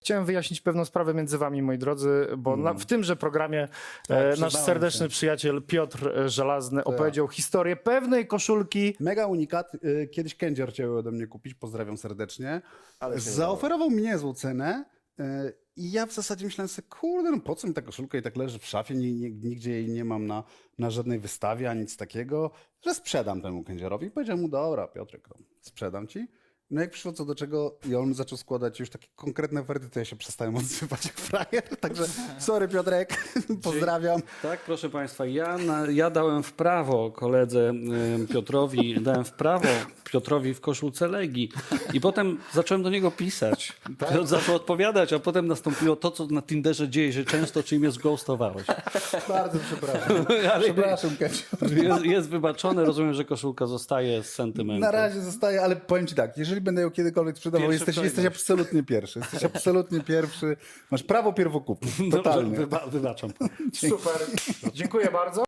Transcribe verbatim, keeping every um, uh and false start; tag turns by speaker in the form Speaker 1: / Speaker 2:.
Speaker 1: Chciałem wyjaśnić pewną sprawę między wami, moi drodzy, bo na, w tymże programie
Speaker 2: Tak,
Speaker 1: e, nasz
Speaker 2: przyznałem
Speaker 1: serdeczny
Speaker 2: się.
Speaker 1: przyjaciel Piotr e, Żelazny opowiedział historię pewnej koszulki.
Speaker 2: Mega unikat. Y, Kiedyś Kędzior chciał ode mnie kupić, pozdrawiam serdecznie.
Speaker 3: Ale się
Speaker 2: Zaoferował mi niezłą cenę y, i ja w zasadzie myślałem sobie, kurde, no po co mi ta koszulka i tak leży w szafie, ni- ni- nigdzie jej nie mam na, na żadnej wystawie, ani nic takiego, że sprzedam temu Kędziorowi. I powiedziałem mu, dobra, Piotrek, to sprzedam ci. No jak przyszło co do czego i on zaczął składać już takie konkretne oferty, to ja się przestałem odzywać jak frajer. Także sorry Piotrek, pozdrawiam.
Speaker 3: Tak, proszę Państwa, ja, na, ja dałem w prawo koledze y, Piotrowi, dałem w prawo Piotrowi w koszulce Legii i potem zacząłem do niego pisać. Piotr zaczął odpowiadać, a potem nastąpiło to, co na Tinderze dzieje się często, czyli mnie zghostowałeś.
Speaker 2: Bardzo przepraszam.
Speaker 3: Ale
Speaker 2: Przepraszam Kędzior.
Speaker 3: jest, jest wybaczone, rozumiem, że koszulka zostaje z sentymentem.
Speaker 2: Na razie zostaje, ale powiem ci tak, jeżeli będę ją kiedykolwiek sprzedawał,
Speaker 3: Pierwszy
Speaker 2: jesteś,
Speaker 3: w
Speaker 2: jesteś
Speaker 3: kolejności.
Speaker 2: absolutnie pierwszy. Jesteś absolutnie pierwszy. Masz prawo pierwokupu.
Speaker 3: Dobrze,
Speaker 2: Totalnie.
Speaker 3: wyba, wybaczam.
Speaker 1: Super. Dziękuję bardzo.